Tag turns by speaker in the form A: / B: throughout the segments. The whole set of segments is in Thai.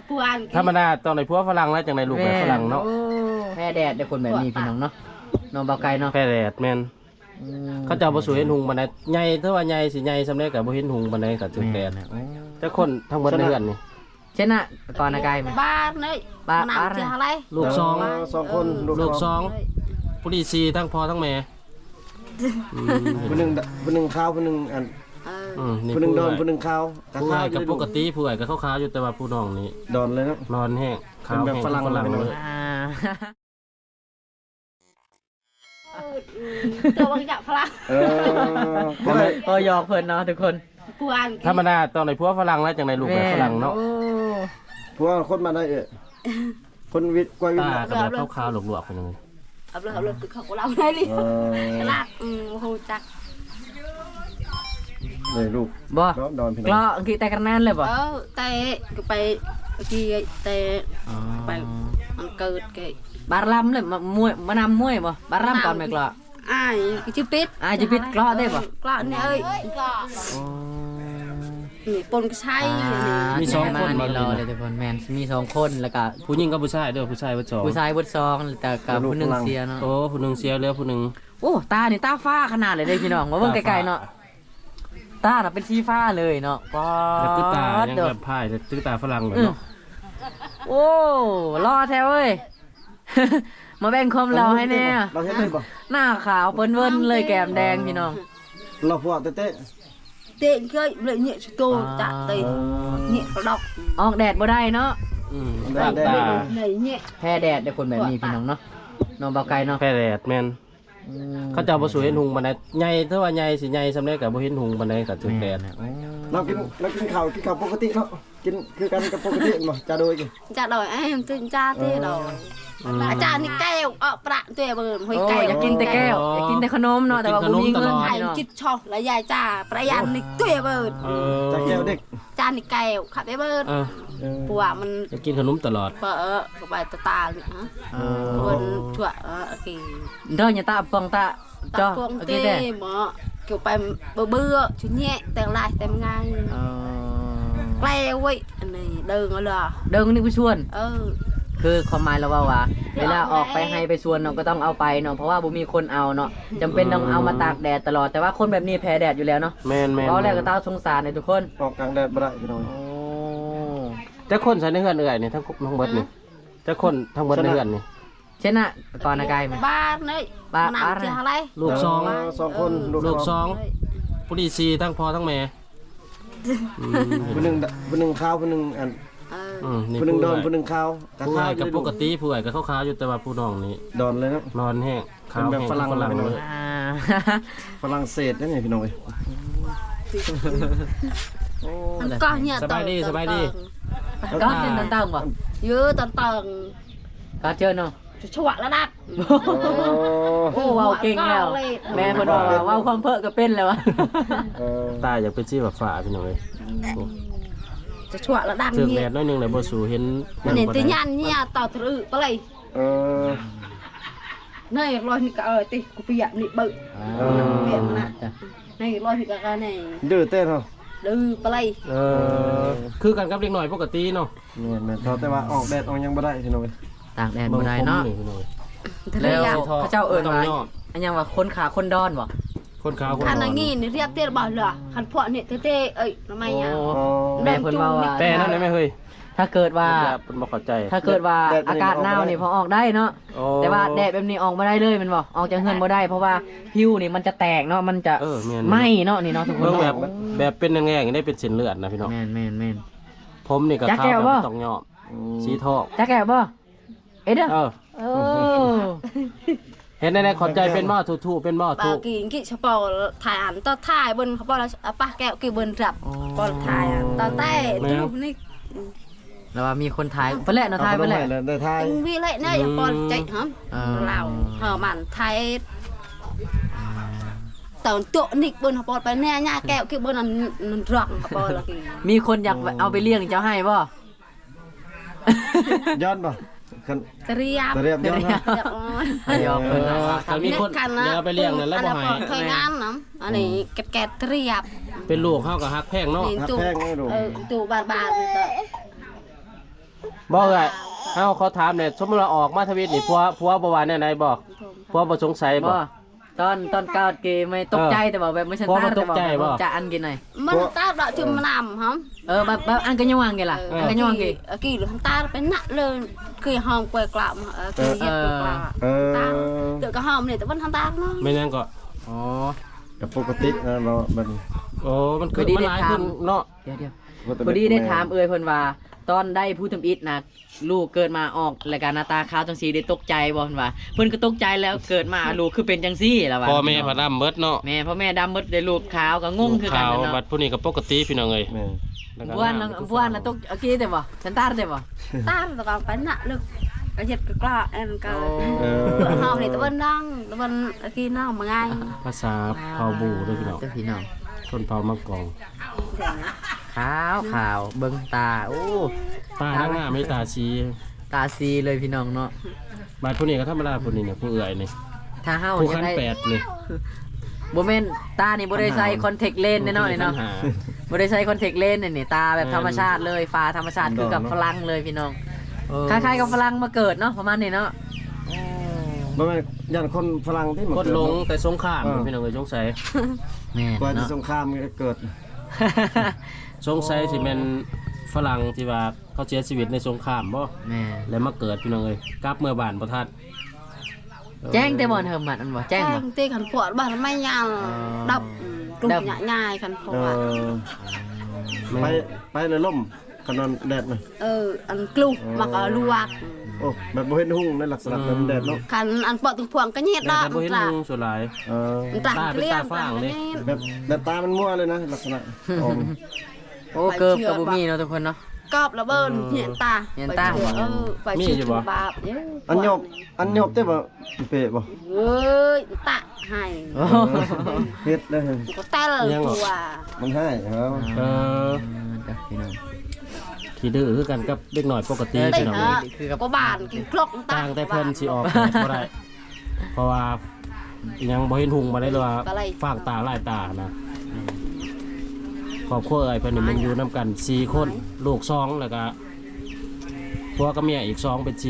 A: ธรรมดาตอนไหนพวกฝรั่งแล้วจังไหนลูกแบบฝรั่งเนาะ
B: แพ้แดดได้คนแบบนี้พี่น้องเนาะน้องเบาไก่เนาะ
A: แพ้แดดแม่นเขาจะบ่สวยเห็นหุงบันไดใหญ่เท่าว่าใหญ่สิใหญ่สำเร็จกับบ่เห็นหุงบันไดกับจุดแดดแต่คนทั้งหมดในเรือนนี่
B: เช่นน่ะก่อนนะไก่
C: บ้านนี่บ้านอะไร
A: ลูก
D: สองคน
A: ลูกผู้ดี4ทั้งพ่อทั้งแม่
D: ผู้หนึ่งข้าวผู้หนึ่งอันผู้หนึ่งดอนผู้หนึ่งข้าว
A: ผู้ใหญ่กับปกติผู้ใหญ่กับขาวๆอยู่แต่ว่าผู้น้องนี่
D: ดอนเลยนะ
A: นอนแห้งขาว
D: แบบฝรั่ง
A: เลย
C: ตัวบางอย่างฝรั่ง
B: ก็ยอกเพิ่นเนาะทุกคน
A: ธรรมดาตอนไหนพวกฝรั่งแล้วจังไหนลูกแบบฝรั่งเนาะ
D: พวกคนมาได้คนวิทย์กว่าวิทย์
A: ตากับแบบขาวๆหลวกๆไปเลย
C: เอาเลยคือเขาเราได้เลยลากโหจัก
D: เลยลูก
B: บ่ดอนพี่น้องกล้อกี่แต่กันนั่นเลยบ่
C: แต่ก็ไปกี่แต่ไปมันเกิดแก
B: บารลัมเลยมานำมวยบ่บารลัมก่อนไหมกล้อ
C: จิปิด
B: จิปิดกล้อได้บ่
C: กล้อเนี่ยนี่ปนก็ใช่
A: มี2คน
B: มารอเลยทุกคนแมนมี2คนแล้วก็
A: ผู้หญิงกับผู้ชายด้วยผู้ชายวัด2
B: ผู้ชายวัด2แต่กับผู้หนึ่งเสียเนาะ
A: โอ้ผู้หนึ่งเสียแล้วผู้หนึ่ง
B: โอ้ตานี่ตาฟ้าขนาดเลยเด้พี่น้องมาเบิ่งไกลๆเนาะตาเป็นสีฟ้าเลยเนาะ
A: ป้าตื้อตายังแบบพายตื้อตาฝรั่งเลยเนาะ
B: โอ้รอแท้เว้ยมาแบ่งความเราให้แน่หน้าขาวเปิ้นเวิ้นเลยแก้มแดงพี่น้อง
D: เราพวกเตะ
C: เคยเลยเนี่ยโตจัดเตะเนี่ยดอก
B: ออกแดดบ่ได้เนาะ
A: แดด
C: เนี่ย
B: แพ้แดดได้คนแบบนี้พี่น้องเนาะน้องเบาไก่เนาะ
A: แพ้แดดแม่นเขาจะบ่สวยเห็นหุงบันไดใหญ่เท่าว่าใหญ่สิใหญ่สำเร็จกับบ่เห็นหุงบันไดกับจุดแดด
D: เรากินข้าวปกติเนาะกินคือกันกับปกติบ่จะโดย
C: ตื่นจ้าที่เราอาจารย์นี่แก้วประตัวเบิร์นหอยแก้ว
B: อยากกินแต่แก้วอยากกินแต่ขนมเนาะแต่ว่าบ่มีเงินให้
C: จิตชอบและยายจ้าประหยัดนี่ตัวเบิร์น
D: จะแก้วเด็ก
C: จานนี่แก้วขับไปเบิร์นปัวมัน
A: จะกินขนมตลอด
C: ก็ไปตาเลยฮะเบิร์นถั่วโอเค
B: เด้ออย่าตาปองตา
C: จ้าปองเต้หมอเกี่ยวไปเบื่อชุดแย่แต่ลายแต่ง่ายแกล้วไว้อันนี้เดินเอาเลย
B: เดินนี่ผู้ชวนคือความหมายเราว่าเวลาออกไปให้ไปชวนเราก็ต้องเอาไปเนาะเพราะว่าบ่มีคนเอาเนาะจำเป็นต้องเอามาตากแดดตลอดแต่ว่าคนแบบนี้แพ้แดดอยู่แล้วเนาะ
A: แม่น
B: เพราะแรกก็ต้าสงสารในทุกคน
D: ออกกลางแดดบ่ได้พี่น้อง
A: แต่คนใส่ในเฮือนเอื่อยนี่ทั้งเบิดนี่แต่คนทั้งเบิดในเฮือนนี่
B: เช่นน่ะก่อนนะไก่
C: บ้านนี่บ้านอะไร
A: ลูก
D: 2คน
A: ลูก2ผู้ดี4ทั้งพ่อทั้งแม่
D: ผู้หนึ่งข้าวผู้หนึ่งอันผู้หนึ่งดอนผู้หนึ่งข้าว
A: ผู้ใหญ่กับปกติผู้ใหญ่กับขาวๆอยู่แต่ว่าผู้น้องนี่
D: ดอนเลยนะ
A: นอนแห้งขาว
D: แบบฝรั่ง
A: เลย
D: ฝรั่งเศสนั่นไงพี่น้อง
C: ก็เนี่ย
A: สบายดี
B: ก็เจอตันตังบ่
C: เยอะตันตัง
B: ก็เจอเนาะ
C: ชั่วระดับ
B: โอ้ว้าวเก่งแล้วแม่คนบอกว่าความเพ้อก็เป็นแล้ววะ
A: ตาอยากเป็นชื่อแบบฝ่าพี่น้องเลย
C: จะชั่วระดับ
A: นี้ถึงแดดน้อยนึงเลยบ่สูเห็น
C: เนี่ยตียันเนี่ยต่อถือไปเลยนี่ลอยนี่ก็ตีกูเปียกนี่เบิ่เปียกนะนี่ลอยนี่ก็นี่
D: ดื้อเต้นเหรอ
C: ดื้อไปเลย
A: คือกันกับเด็กหน่อยปกติเนาะ
D: เนี่ยแต่ว่าออกแดดออกยังบ่ได้พี่น้อง
B: ตากแดดบ่ได้เนาะแล้วพระเจ้าเอิญว่าอันยังว่าคนขาคนดอนบ่
A: คนขาว
C: คันงี้นี่เรียบเตี้ยบ่เหรอคันพวกนี่เต้ทำไมอ่ะ
B: แม่เพิ่นว่า
A: แต่นั่นได้ไหมเฮ้ย
B: ถ้าเกิดว่า
A: เพิ่นบ่เข้าใจ
B: ถ้าเกิดว่าอากาศหนาวนี่พอออกได้เนาะแต่ว่าแดดแบบนี้ออกบ่ได้เลยมันบ่ออกจากเฮือนบ่ได้เพราะว่าผิวนี่มันจะแตกเนาะมันจะไหม้เนาะนี่เนาะทุกคน
A: แบบเป็นแง่ๆได้เป็นเส้นเลือดนะพี่น้อง
B: แม่น
A: ผมนี่ก็ขาวแบบต้องยอมสีทอง
B: จักแก้วบ่เด้อ
A: เห็นในขอบใจเป็นหม้อทูเป็นหม้อทู
C: กี่เฉพาะถ่ายอันต่อถ่ายบนเขาบอกแล้วป้าแก้วกี่บนจับก็ถ่ายต่อใต้ดูนี่
B: แล้วว่ามีคนถ่ายเพื่อนแหละเนาะถ่ายเพื่อนแหละ
C: วิเละเนี่ยอย่าปอนใจหอมเรามันถ่ายตอนตัวนิกบนเขาบอกไปเนี่ยหน้าแก้วกี่บนนั้นรักเขาบอกแล้ว
B: มีคนอยากเอาไปเลี้ยงเจ้าให้ป่ะ
D: ย้อนป่ะ
C: เตรียม
D: ย้อนนะ
A: ย้อนถ้ามีคนเดี๋ยวไปเลี้ยงนั่นแล้วบ่ให้
C: เคยงานน้ำอันนี้แกะเตรียม
A: เป็นลูกเข้ากับฮักแพงเนาะ
D: ฮักแพงไงลูก
C: ตู้บาน
A: บ่เอ้ยเฮาขอถามเนี่ยสมมุติว่าออกมาทวิตนี่ผัวบ่ว่าแนวใดบ่ผัวบ่สงสัยบ่
B: บ่ตอนก้าวเกย์ไม่ตกใจแต่บอกแบบไม่ใช่
A: พอ
B: ตา
A: มันต
B: แต่
A: ก
B: บอก
A: ใจ
B: แบบ
A: บ่
B: จะอันกินหน่อย
C: มันตาดอกจุ่มน้ำหอม
B: แบบอันกันยังวางไงล่ะอันกันยังวางไง
C: กี่หรือทำตาเป็นหนักเลยคือหอมกวยกลับคือเย็ดกวยกลับตาเดี๋ยวก็หอมเนี่ยแต่มันทำตาเนาะ
A: ไม่นั่นก็
B: อ๋อ
D: กับปกติเราบัดนี้
A: โอ้มันคือมันหลายขึ้นเนาะ
B: เดี๋ยวพอดีได้ถามเอ่ยเพิ่นว่าตอนได้ผู้ทำอิฐนะลูกเกิดมาออกรายการหน้าตาขาวจังซี่ได้ตกใจบ่เพิ่นว่าเพิ่นก็ตกใจแล้วเกิดมาลูกคือเป็นจังซี่ล่ะว่า
A: พ่อแม่พระดำเบิดเนาะ
B: แม่พ่อแม่ดำหมดได้ลูกขาวก็งงคือกัน
A: ข่าว
B: เนาะ
A: บัดผู้นี้ก็ปกติพี่น้องเอ้ย
D: แม่
B: บ้านน่ะตกโอเคแต่บ่ฉันตาแต่บ่
C: ตาแต่ก็เป็นหนักเลยก็เย็ดก็กล้าเอ็นก็หอมเนี่ยแต่วันนั่งแต่วันกี่นั่งมาไง
A: ภาษาเผ่าบูเด้อพี่น้อง
B: เจ้าพี่น้อง
A: ชนเผ่ามังกร
B: ขาวเบิ่งตาโอ้
A: ตาหน้าไม่ตาชี
B: ตาซีเลยพี่น้องเนาะ
A: บัดผู้นี้ก็ธรรมดาผู้นี้เนี่ยผู้เอื้อยนี่
B: ถ้าเฮา
A: ผู้
B: จะ
A: ขั้น
B: ได้
A: แปดนี่
B: บ่แม่นตานี่บ่ได้ใส่คอนแทคเลนส์แน่นอนเนาะ บ่ได้ใช้คอนแทคเลนส์นี่ตาแบบธรรมชาติเลยฟ้าธรรมชาติคือกับฝรั่งเลยพี่น้องคล้ายๆกับฝรั่งมาเกิดเนาะประมาณนี้เนาะ
D: บ่แม่นย่านคนฝรั่งที่มา
A: คนลงแต่สงครามพี่น้องเอ้ยสงสัย
B: แม่
D: กว่าจะ
B: เนาะ
D: สงครามเกิด
A: สงสัยสิแม่นฝรั่งที่ว่าเขาเสียชีวิตในสงครามบ่
B: แม่
A: แล้วมาเกิดพี่น้องเอ้ยกลับเมื่อบ้านบ่ทัน
B: แจ้งแต่บ่เทิมมันบ่แจ้ง
C: แจ้
B: บ่
C: งตีขันปวดบ้านไม่ยาวดับกลุ่มใหญ่ๆขันปวด
D: ไปเลยล่มกันนอนแดดน่ะ
C: อันกลุ่มมักลวก
D: โอ้แบบบ่เห็นหุ่งในลักษณะแบบแดดเนาะ
C: ขันอันปวดตึงพวงก็เงียบ
A: แต่
C: ได้
A: ถ้าบ่เห็น
C: ตา
A: ลุงส่วนหลาย
C: ตา
A: ตาเป็นตาฝรั่งเลย
D: แบบตามันมั่วเลยนะลักษณะออก
B: โอ้เกิบกับบ่มีเนาะทุกคนเนาะ
C: กอบระเบิดเหียนตาไปชื่อบาป
D: อันยบแต่บ่เปะบ่
C: เฮ้ยตะให้
D: เฮ็ดได้
C: ก็เต้ลตัว
D: มันให้ครับ
B: พี่น้อง
A: ขี้ดื้อคือกันกับเด็กหน่อยปกติ
C: ติ
A: พี่น้อง
C: ฮะก็บานกินครกตา
A: ต่างแต่เพิ่นสิออกบ่ได้ เพราะว่ายังบ่เห็นหุงมาได้เลยว่าฟางตาลายตานะครอบครัวเอ้ยเพิ่นนี่มันอยู่นํกัน4คนลูก2แล้วก็ผัวกับเมียอีก2เป็น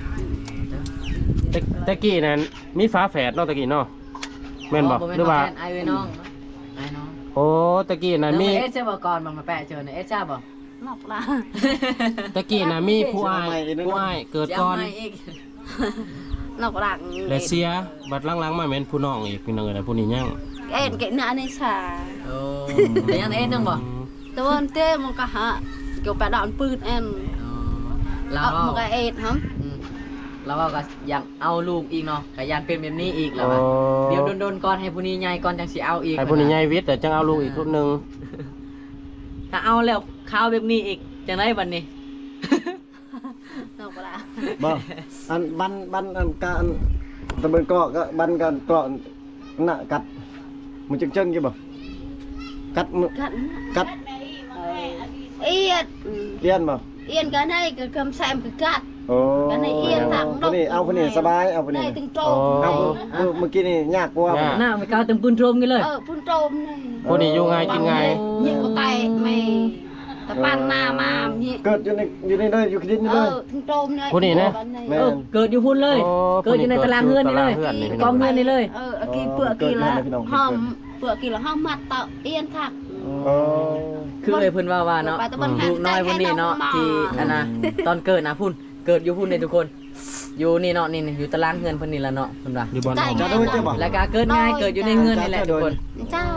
A: 4ตะกี้นั้นมีฝาแฝดเนาะตะกี้เนาะแม่นบ่หรือว่า
B: ไอ้น้องไอ้น้อง
A: โอ้ตะกี้นั้นมี
B: เอสเจ้าบ่ก่อนมาแปะเจอเนี่ยเอสจ้าบ่
C: นอกละ
A: ตะกี้น่ะมีผู้อ้ายเกิดก่อน
C: นอกหลัง
A: และเสียบัดหลังๆมาแม่นผู้น้องอีกพี่น้องเอ้ยผู้นี้ยัง
C: เอ็นเกนื้อในชา
B: โอ้แต่ยังเอสนึงบ่
C: ตะวันเต้มันก็ฮะเกี่ยวกับดอนปืนเอ็น
B: เรา
C: มันก็เอ็ดฮะ
B: เราก็ยังเอาลูกอีกเนาะก็ยันเป็นแบบนี้อีกแล้วว่าเดี๋ยวโดนๆก่อนให้ผู้นี้ใหญ่ก่อนจังสิเอาอีก
A: ให้ผู้นี้ใหญ่วิทย์แต่จังเอาลูกอีกคนนึง
B: ถ้าเอาแล้วข้าวแบบนี้อีกจังได๋บัดนี้
C: นอกละ
D: บ่อันบันอันการตะเบินเกาะก็บันกันเกาะน่ะกัดมันจังๆอยู่บ่กัดมือ
C: กัน
D: กัด
C: เอียด
D: เลียนบ่
C: เอียนกันให้กับคำแซมกับกัด
D: โอ้
C: กันให้เอียนทาง
D: ผู้นี้เอาผู้นี้สบายเอาผู้นี้
C: ได้ถึงโต
D: เอาเมื่อกี้นี่ยากกว่า
B: หน้าไม่กล้าตึงปืนโทรมกันเลย
C: พุ่นโตมนี่
A: ผู้นี้อยู่ง่ายกินง่าย
C: ยิ่งก็ไตไม่แต่ปั้นหน้ามานี่
D: เกิดอยู่ในเลยอยู่คิดนี่เลย
C: ถึงโตมเนี่ย
B: เกิดอยู่พุ่นเลย เกิดอยู่ในตารางเฮือนนี่เลยกองเฮือนนี่เลย
C: กี่เปลือกกี่ละหอมเปลือกกี่ละหอมมัดเต่าเอียนถัก
B: คือเลยเพิ่นว่าเนาะลูกน้อยพุ่นนี่เนาะที่อันน่ะตอนเกิดนะพุ่นเกิดอยู่พุ่นนี่ทุกคน อยู่นี่เนาะนี่อยู่ตารางเฮือนเพิ่นนี่ละเนาะเพิ่นว่า
A: อยู่บน
D: จะได้เจ้าบ่
B: แล้วก็เกิดง่ายเกิดอยู่ในเฮือนนี่แหละทุกคน
C: จ้า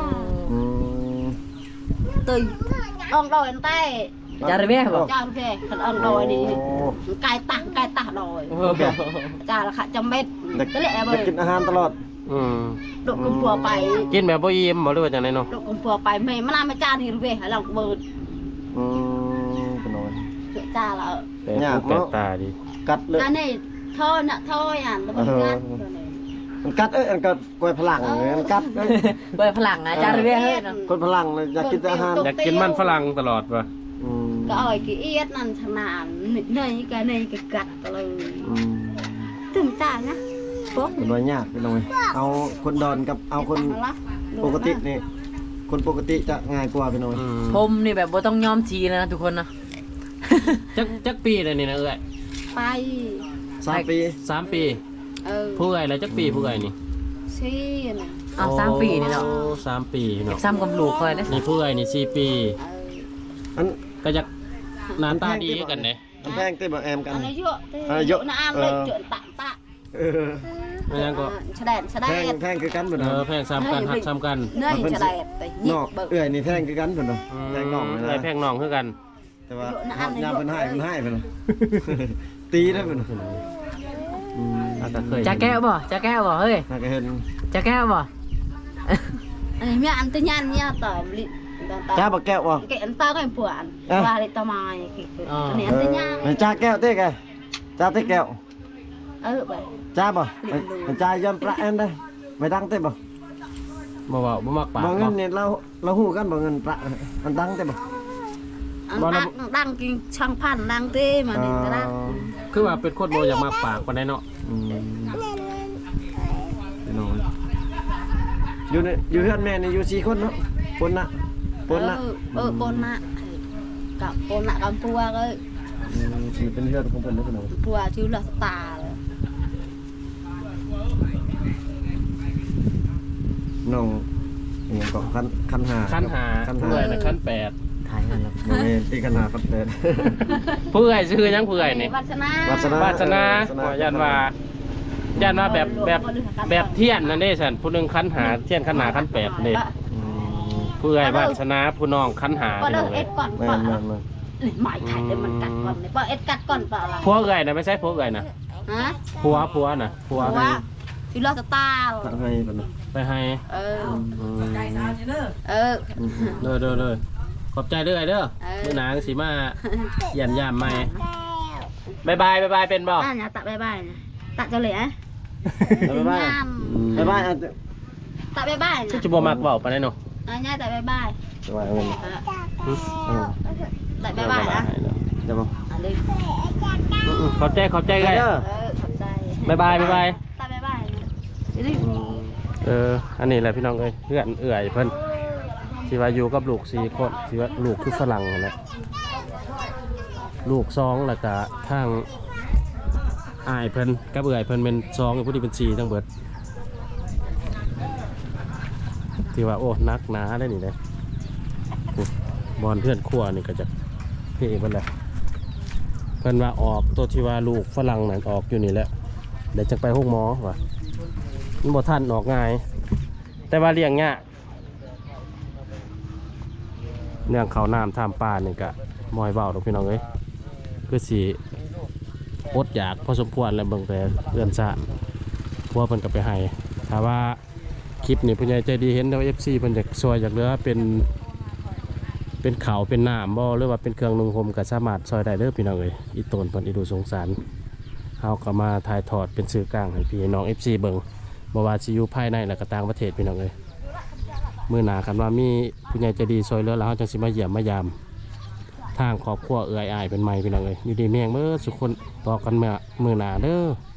C: ตื่นอ่องดอยใต้
B: จาระเบ้บ่
C: จ้าเพขันอ่องดอยนี่ไก่ตักดอยจ้าละค่ะจำเม็ดก็เลยแอบ
D: จะกินอาหารตลอด
C: ดกกุมพัวไป
A: กินแบบบ่อิ่มบ่หรือว่าจังได๋เนาะ
C: ดกกุมพัวไปไม่มาลาไม่จ้านี่เว้ยหลังเบิด
D: ขนม
C: จ้าละ
A: แปลกตาดี
D: กัดเลย
C: อันนี้ท่อน่ะท่ออ่ะแล้วมันกัด
D: มันกัดมันกัดกวยพลังมันกัด
B: เปิดพลังนะจาระเบ้เฮ้ยเนาะ
D: คนพลังอยากกินอาหาร
A: อยากกินมันฝรั่งตลอดป่ะ
C: ก็อ่อยกี่เอียดนั่นชนานในก็กัดเลยตื่นจ้านะพวก
D: เป็นว่ายากเป็นไงเอาคนดอนกับเอาคนปกตินี่คนปกติจะง่ายกว่าเป็นไง
B: ผมนี่แบบบ่ต้องยอมชีแล้วนะทุกคนนะ
A: จักปีเลยนี่นะเอ้ย
C: ไป
D: 3 ปี
A: 3 ปี ผู้เอ้ยแล้วจักปีผู้เอ้ยนี่
C: ซี่น่ะ
B: เอา3 ปีนี่เนาะ
A: โอ้3 ปีเนาะ
B: ซ้ำกับลูกคอยนะ
A: นี่ผู้เอ้ยนี่4 ปี
D: อัน
A: ก็จะหน้าตาดีกันเด้
D: อันแพงติบ่แอมกัน
C: อันนี้เยอะ
D: เยอะ
C: น่าเลยเจอตะ
D: เออ
A: อันนั้นก็
C: แสดง
D: แพงคือกันบ่
A: เอ
D: เนาะ
A: อแพงซ้ำกันหักซ้ำกัน
C: เนื่อยแสดงแต่
D: นอกเอื้อยนี่แพงคือกันเพิ่นเนาะแพงนอกเลย
A: ไอ้
D: นะ
A: แพงน้องคือกัน
D: แต่ว่าฮอดยามเพิ่นให้เพิ่นให้เพิ่น ตีได้เพิ่น
A: อาจจะเคย
B: จะแก้วบ่จะแก้วบ่เฮ้ย
D: น่าก็เห็น
B: จะแก้วบ่
C: อันนี้มีอันตะยันเนี่ยต่อลิ
D: จ้าบ่แก้วบ่
C: cái anh ta cái buồn qua đây tao mày cái này anh tới nha
D: จ้าแก้วเต้แกจ้าเต้แก้ว
C: vậy
D: จ้าบ่จ้ายอมประแอนได้ไม่ดังเต้บ่
A: บ่เว้าบ่มักปาก
D: บ่เงินเนี่ยเราฮู้กันบ่เงินประมันดังเต้บ่
C: anh đang cái trang phan đang tê mà để ta đang
A: คือว่าเป็นคนบ่อยากมักปากปานใดเนาะ
D: อยู่ในอยู่เฮือนแม่นี่อยู่4คนเนาะคนน่ะ
C: pon nạ cả pon nạ cầm pua cái
D: เป็นเฮือนของเพิ่นเด้อพี่น้อง
C: pua chứ là tà
D: น้องอีหยังก็คันหา
A: ขั้นหาผู้เอ้ยน่ะขั้น
B: ถ่ายกันแล้ว
D: บ่แม่นตีคันหาคันแปด
A: 8ผู้เอ้ยชื่อหยังผู้เอ้ยนี่
C: vạt sana
A: วาสนาขอยันว่าแบบเทียนนั่นเด้ซั่นผู้หนึงขั้นหาเทียนขั้นหาขั้น8นี่ผู้เอ้ยวาสนาผู้น้องขั้นหา
C: có
A: พี่น้อง
C: đâu
A: เอ้ย
C: ép còn
D: แม่
C: quả
D: น
C: mày thải để mình cắt còn này bỏ ép cắt còn bảo là
A: ผัวเอ้ยน่ะไม่ใช่ผัวเอ้ยน่ะ
C: hả
A: ผัวน่ะผัว
C: quá thì lo tao ta
D: ทางให้เพิ่น
A: ไปให้ เด้อขอบใจเด้อไอ้เด้อมื้อหน้าสิมาเยี่ยมยามใหม่บ๊ายบายเป็นบ่
C: à nhà tạ bye bye này tạ cho lẻ
D: บ๊ายบายบ๊ายบายอ่ะ
C: tạ bye bye
A: คือ
C: này
A: จะบ่มักเว้าปานใดเนาะ
C: nha tạ bye bye
D: บ๊ายบายเงิน
C: tạ bye bye đã
D: จะบ่
C: đi
A: ขอบใจไง
C: ขอบใจ
A: บ๊ายบาย
C: tạ bye bye đi
A: อันนี้แหละพี่น้องเอ้ยเพื่อนเอื่อยเพิ่นที่ว่าอยู่กับลูก4คนที่ว่าลูกคือฝรั่งนั่นแหละลูก2แล้วก็ทางอ้ายเพิ่นกับเอื่อยเพิ่นเป็น2ผู้ที่เป็น4ทั้งเบิดที่ว่าโอ้นักหนาได้นี่เลยบอลเพื่อนครัวนี่ก็จะเพ่เพิ่นแหละเพิ่นว่าออกตัวที่ว่าลูกฝรั่งนั่นออกอยู่นี่แหละเดี๋ยวจะไปห้องหมอว่ะมันบ่ทันออกง่ายแต่ว่าเลี้ยงยากเรื่องเขาน้ำท่ามป่านี่ก็มอยเบาดอกพี่น้องเอ้ยคือสีอดอยากพอสมควรแล้วเบิ่งแต่เอื้อนซะพวกเพิ่นก็ไปให้ถ้าว่าคลิปนี้ผู้ใหญ่ใจดีเห็นแล้ว FC เพิ่นอยากซอยอยากเหลือเป็นข้าวเป็นน้ำบ่หรือว่าเป็นเครื่องนุ่งห่มก็สามารถซอยได้เด้อพี่น้องเอ้ยอีตนเพิ่นอีดูสงสารเฮาก็มาถ่ายทอดเป็นสื่อกลางให้พี่น้อง FC เบิ่งบ่ว่าสิอยู่ภายในและก็ต่างประเทศพี่น้องเอ้ยมื้อหน้าคันว่ามีผู้ใหญ่ใจดีซอยเหลือแล้วเฮาจังสิมาเยี่ยมมายามทางครอบครัวเอื้อยอ้ายเป็นใหม่พี่น้องเอ้ยอยู่ดีแม่งเบิดสุขคนต่อกันมื้อหน้าเด้อ